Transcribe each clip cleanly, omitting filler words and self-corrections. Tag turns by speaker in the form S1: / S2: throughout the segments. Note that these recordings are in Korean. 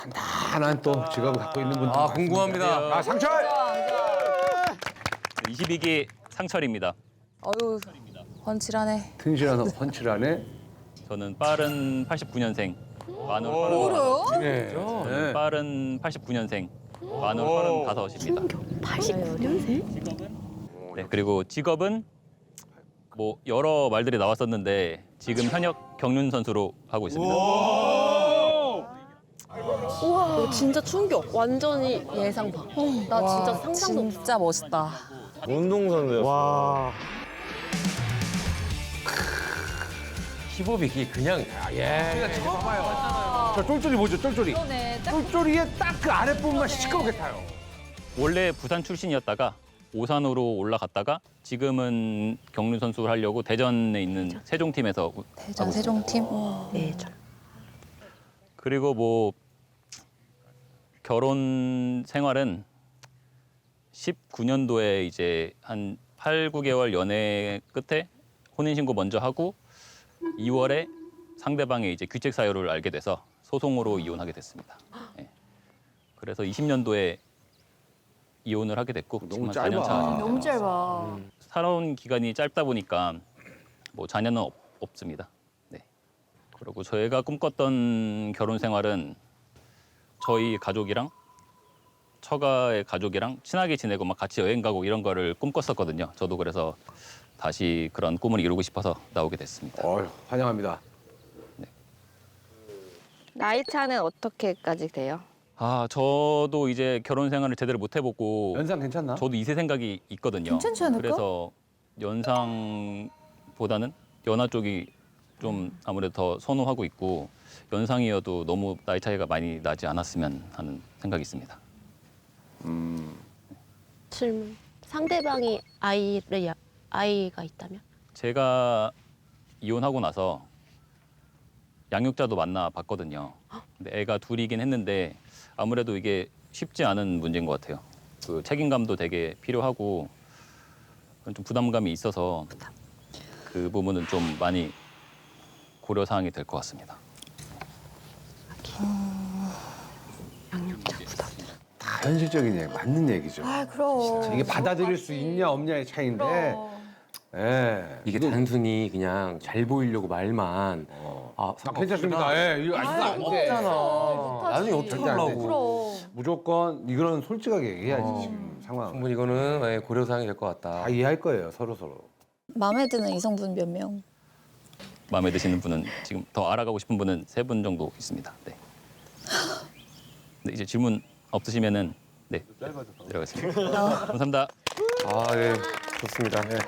S1: 단단한 또 직업을 갖고 있는 분들.
S2: 아, 궁금합니다.
S1: 아, 상철!
S3: 22기 상철입니다.
S4: 어유 훤칠하네.
S1: 튼실한 펀치라네.
S3: 저는 빠른 89년생, 만으로
S4: 뭐래요?
S1: 네. 네.
S3: 빠른 89년생, 만으로 35입니다.
S5: 89년생?
S3: 네, 그리고 직업은 뭐 여러 말들이 나왔었는데 지금 현역 경륜 선수로 하고 있습니다.
S5: 우와, 이거 진짜 충격. 완전히 예상 밖. 나 진짜 상상도 못.
S4: 진짜 멋있다.
S6: 운동선수였어.
S2: 힙업이 이게 그냥
S1: 저 쫄쫄이 뭐죠, 쫄쫄이?
S4: 그러네.
S1: 쫄쫄이의 딱 그 아랫부분만 시커멓게 타요.
S3: 원래 부산 출신이었다가 오산으로 올라갔다가 지금은 경륜 선수를 하려고 대전에 있는 세종팀에서
S4: 대전 세종팀.
S5: 네,
S3: 그리고 뭐 결혼 생활은 19년도에 이제 한 8, 9개월 연애 끝에 혼인신고 먼저 하고 2월에 상대방의 이제 귀책 사유를 알게 돼서 소송으로 이혼하게 됐습니다. 예. 그래서 20년도에 이혼을 하게 됐고
S1: 너무
S3: 지금
S1: 짧아.
S3: 4년 차.
S5: 너무 짧아.
S3: 살아온 기간이 짧다 보니까 뭐 자녀는 없습니다. 네. 그리고 저희가 꿈꿨던 결혼 생활은 저희 가족이랑 처가의 가족이랑 친하게 지내고 막 같이 여행 가고 이런 거를 꿈꿨었거든요. 저도 그래서 다시 그런 꿈을 이루고 싶어서 나오게 됐습니다.
S1: 환영합니다.
S7: 나이 차는 어떻게까지 돼요?
S3: 아, 저도 이제 결혼 생활을 제대로 못 해보고
S1: 연상 괜찮나?
S3: 저도 2세 생각이 있거든요.
S4: 괜찮지 않을까?
S3: 그래서 연상보다는 연하 쪽이 좀 아무래도 더 선호하고 있고 연상이어도 너무 나이 차이가 많이 나지 않았으면 하는 생각이 있습니다.
S5: 질문. 상대방이 아이가 있다면?
S3: 제가 이혼하고 나서 양육자도 만나봤거든요. 근데 애가 둘이긴 했는데 아무래도 이게 쉽지 않은 문제인 것 같아요. 그 책임감도 되게 필요하고 좀 부담감이 있어서 그 부분은 좀 많이 고려 사항이 될 것 같습니다.
S5: 양육자 부담.
S1: 다 현실적인 얘기, 맞는 얘기죠.
S4: 아 그럼.
S1: 이게 받아들일 수 있냐 없냐의 차이인데. 예.
S2: 이게 단순히 그냥 잘 보이려고 말만
S1: 괜찮습니다. 예, 이거 안 돼.
S2: 없잖아. 나중에 어떻게
S1: 절대 안 돼.
S2: 하려고.
S1: 무조건 이거는 솔직하게 얘기해야지 지금 상황.
S2: 충분히 이거는 고려사항이 될 것 같다.
S1: 다 이해할 거예요, 서로.
S4: 마음에 드는 이성분 몇 명?
S3: 마음에 드시는 분은 지금 더 알아가고 싶은 분은 3분 정도 있습니다. 네. 네, 이제 질문 없으시면은 네, 내려가겠습니다. 감사합니다.
S2: 아, 네. 좋습니다. 네.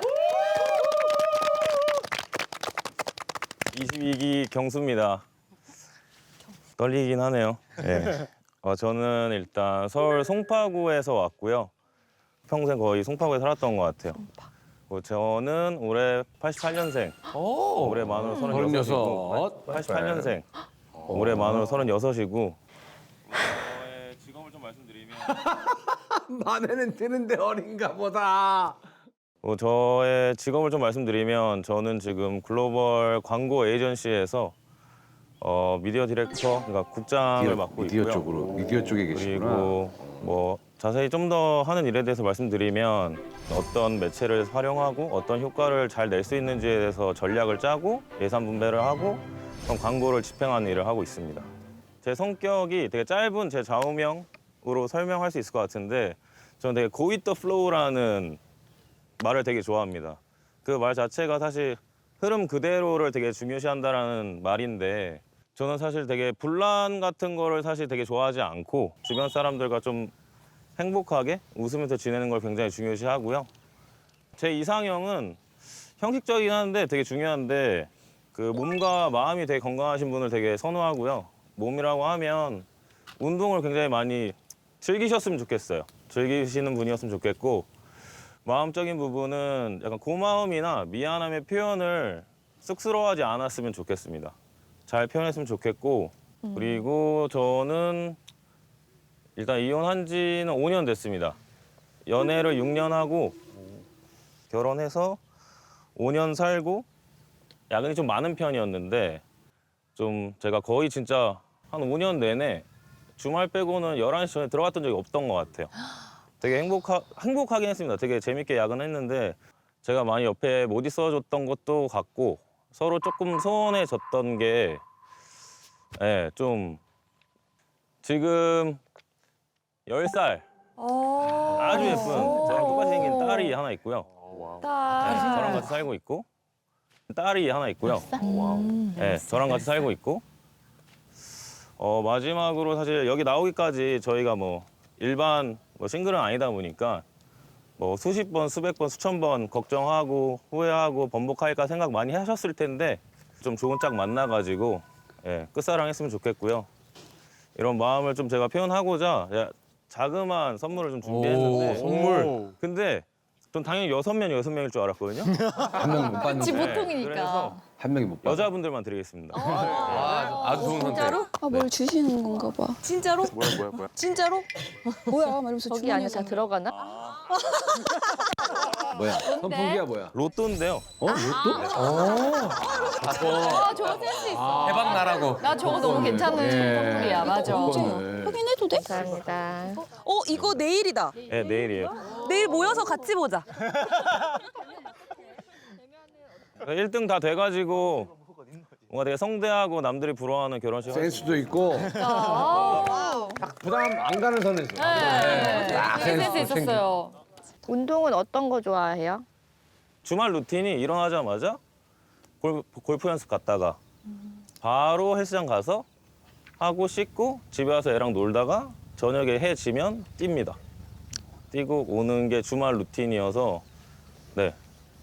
S6: 22기 경수입니다. 떨리긴 하네요. 네. 저는 일단 서울 송파구에서 왔고요. 평생 거의 송파구에 살았던 것 같아요. 저는 올해 88년생. 올해 만으로 36이고 88년생. 올해 만으로 36이고 저의 직업을 좀 말씀드리면
S1: 만에는 드는데 어린가 보다.
S6: 저의 직업을 좀 말씀드리면 저는 지금 글로벌 광고 에이전시에서 미디어 디렉터, 그러니까 국장을 맡고
S1: 미디어
S6: 있고요.
S1: 쪽으로, 미디어 쪽에 계시구나.
S6: 그리고 뭐 자세히 좀 더 하는 일에 대해서 말씀드리면 어떤 매체를 활용하고 어떤 효과를 잘 낼 수 있는지에 대해서 전략을 짜고 예산 분배를 하고 그런 광고를 집행하는 일을 하고 있습니다. 제 성격이 되게 짧은 제 좌우명으로 설명할 수 있을 것 같은데 저는 되게 go with the flow라는 말을 되게 좋아합니다. 그 말 자체가 사실 흐름 그대로를 되게 중요시한다라는 말인데 저는 사실 되게 분란 같은 거를 사실 되게 좋아하지 않고 주변 사람들과 좀 행복하게 웃으면서 지내는 걸 굉장히 중요시하고요. 제 이상형은 형식적이긴 한데 되게 중요한데 그 몸과 마음이 되게 건강하신 분을 되게 선호하고요. 몸이라고 하면 운동을 굉장히 많이 즐기셨으면 좋겠어요. 즐기시는 분이었으면 좋겠고 마음적인 부분은 약간 고마움이나 미안함의 표현을 쑥스러워하지 않았으면 좋겠습니다. 잘 표현했으면 좋겠고 그리고 저는 일단 이혼한 지는 5년 됐습니다. 연애를 6년 하고 결혼해서 5년 살고 야근이 좀 많은 편이었는데 좀 제가 거의 진짜 한 5년 내내 주말 빼고는 11시 전에 들어갔던 적이 없던 것 같아요. 되게 행복하긴 했습니다. 되게 재밌게 야근했는데 제가 많이 옆에 못 있어줬던 것도 같고 서로 조금 소원해졌던 게 좀 지금 10살 아주 예쁜 저랑 똑같이 생긴 딸이 하나 있고요. 저랑 같이 살고 있고 딸이 하나 있고요. 저랑 같이 살고 있고 마지막으로 사실 여기 나오기까지 저희가 뭐 일반 싱글은 아니다 보니까 뭐 수십 번, 수백 번, 수천 번 걱정하고 후회하고 번복할까 생각 많이 하셨을 텐데 좀 좋은 짝 만나가지고 끝사랑했으면 좋겠고요. 이런 마음을 좀 제가 표현하고자 자그마한 선물을 좀 준비했는데
S2: 선물.
S6: 근데 전 당연히 6명일 줄 알았거든요.
S1: 한 명이 못 받는
S5: 그치,
S1: 거.
S5: 보통이니까.
S6: 그래서
S1: 한 명이 못 받아.
S6: 여자분들만 드리겠습니다.
S2: 아주 좋은 선택.
S5: 진짜로?
S4: 아, 뭘 주시는 건가 봐.
S5: 진짜로?
S2: 뭐야.
S5: 진짜로?
S4: 뭐야? 막 이러면서
S7: 저기 안에 다 들어가나?
S1: 뭐야? 선풍기야 뭐야?
S6: 로또인데요.
S1: 로또?
S5: 아, 저거 센스 있어.
S2: 대박 나라고.
S5: 나 저거 너무 괜찮은 선물이야, 맞아.
S4: 확인해도 돼?
S7: 감사합니다.
S8: 이거 내일이다.
S6: 네, 내일이에요.
S8: 내일 모여서 같이 보자.
S6: 1등 다 돼가지고 뭔가 되게 성대하고 남들이 부러워하는 결혼식 할 수
S1: 센스도 있고 부담 안 가는 선에서.
S5: 센스 있었어요.
S7: 운동은 어떤 거 좋아해요?
S6: 주말 루틴이 일어나자마자 골프 연습 갔다가 바로 헬스장 가서 하고 씻고 집에 와서 애랑 놀다가 저녁에 해 지면 뜁니다. 뛰고 오는 게 주말 루틴이어서 네.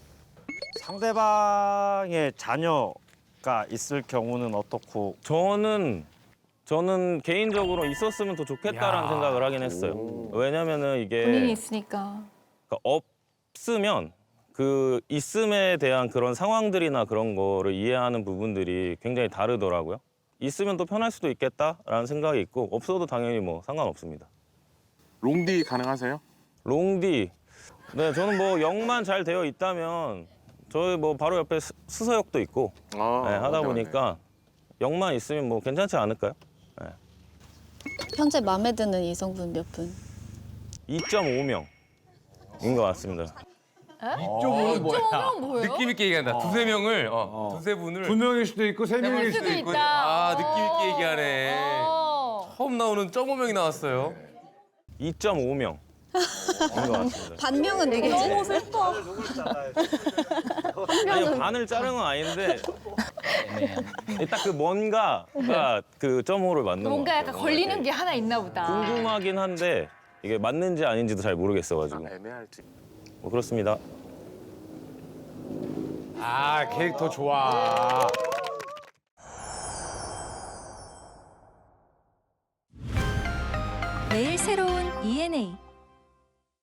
S9: 상대방의 자녀가 있을 경우는 어떻고?
S6: 저는 개인적으로 있었으면 더 좋겠다라는 생각을 하긴 했어요. 왜냐면은 이게
S5: 본인이 있으니까.
S6: 그러니까 없으면 그 있음에 대한 그런 상황들이나 그런 거를 이해하는 부분들이 굉장히 다르더라고요. 있으면 또 편할 수도 있겠다라는 생각이 있고 없어도 당연히 뭐 상관없습니다.
S10: 롱디 가능하세요?
S6: 롱디. 네, 저는 뭐 역만 잘 되어 있다면 저희 뭐 바로 옆에 수서역도 있고 하다 보니까 역만 있으면 뭐 괜찮지 않을까요?
S4: 현재 마음에 드는 이성분 몇 분?
S6: 2.5명인 것 같습니다.
S1: 2.5는 뭐야?
S5: 뭐예요?
S2: 느낌 있게 얘기한다. 두세 명을, 두세 분을.
S1: 두 명일 수도 있고 세 명일
S5: 수도
S1: 수도 있고.
S5: 있다.
S2: 아, 느낌 있게 얘기하네.
S5: 어.
S2: 처음 나오는 0.5명이 나왔어요.
S6: 2.5명인 것 같습니다.
S4: 반명은 누구지?
S8: 너무 슬퍼.
S6: 아니 반을 자른 건 아닌데 딱 그 뭔가가 그 .5를 맞는 거
S5: 뭔가
S6: 같아요.
S5: 약간 걸리는 게 하나 있나 보다.
S6: 궁금하긴 한데 이게 맞는지 아닌지도 잘 모르겠어가지고
S10: 애매할지.
S6: 뭐 그렇습니다.
S1: 아 캐릭터 좋아.
S11: 매일 새로운 ENA